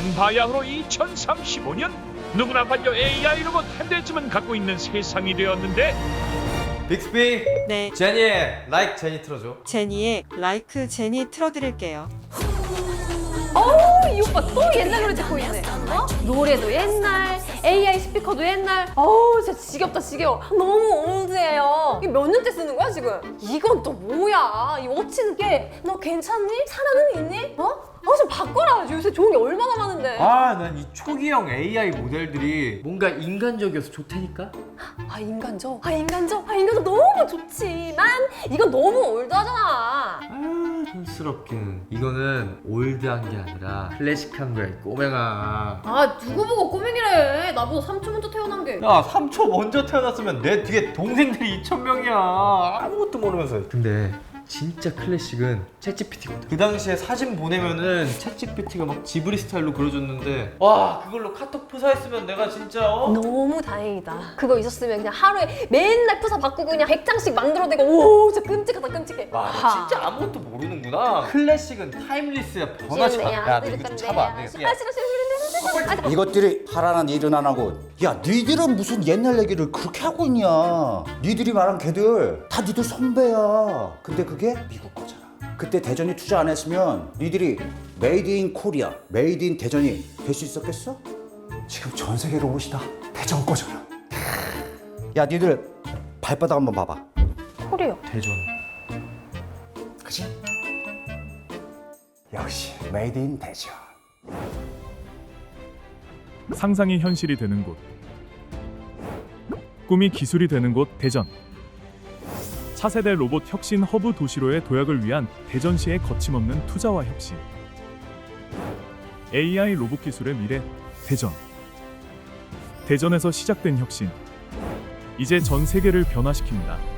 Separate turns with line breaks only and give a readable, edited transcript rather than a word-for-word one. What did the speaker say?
이제는 바야흐로 2035년 누구나 반려 AI 로봇 한 대쯤은 갖고 있는 세상이 되었는데
빅스비
네,
제니의 Like 제니 틀어줘.
제니의 라이크 제니 틀어드릴게요.
이 오빠 또 옛날 노래 듣고 있네. 어? 노래도 옛날, AI 스피커도 옛날. 진짜 지겹다 지겨워. 너무 올드해요. 이게 몇 년째 쓰는 거야 지금? 이건 또 뭐야? 이 워치는 게 너 괜찮니? 살아는 있니? 좀 바꿔라. 요새 좋은 게 얼마나 많은데.
난 이 초기형 AI 모델들이 뭔가 인간적이어서 좋다니까?
인간적? 인간적 너무 좋지만 이건 너무 올드하잖아.
촌스럽긴. 이거는 올드한 게 아니라 클래식한 거야 이 꼬맹아.
누구 보고 꼬맹이래. 나보다 3초 먼저 태어난 게.
야 3초 먼저 태어났으면 내 뒤에 동생들이 2,000명이야. 아무것도 모르면서. 근데 진짜 클래식은 챗GPT거든. 그 당시에 사진 보내면은 챗GPT가 막 지브리 스타일로 그려줬는데 와 그걸로 카톡 프사했으면 내가 진짜
너무 다행이다. 그거 있었으면 그냥 하루에 맨날 프사 바꾸고 그냥 100장씩 만들어내고 오 진짜 끔찍하다 끔찍해.
와, 너 진짜 아무것도 모르는구나. 클래식은 타임리스야. 변하지 마. 야, 너 이거 좀 잡아. 안 되겠어. 야.
싫어.
이것들이 하라는 일은 안 하고 야 니들은 무슨 옛날 얘기를 그렇게 하고 있냐. 니들이 말한 걔들 다 니들 선배야. 근데 그게 미국 거잖아. 그때 대전이 투자 안 했으면 니들이 메이드 인 코리아, 메이드 인 대전이 될 수 있었겠어? 지금 전 세계 로봇이 다 대전 거잖아. 야 니들 발바닥 한번 봐봐.
코리아.
대전.
그치? 역시 메이드 인 대전.
상상이 현실이 되는 곳, 꿈이 기술이 되는 곳 대전. 차세대 로봇 혁신 허브 도시로의 도약을 위한 대전시의 거침없는 투자와 혁신. AI 로봇 기술의 미래 대전. 대전에서 시작된 혁신, 이제 전 세계를 변화시킵니다.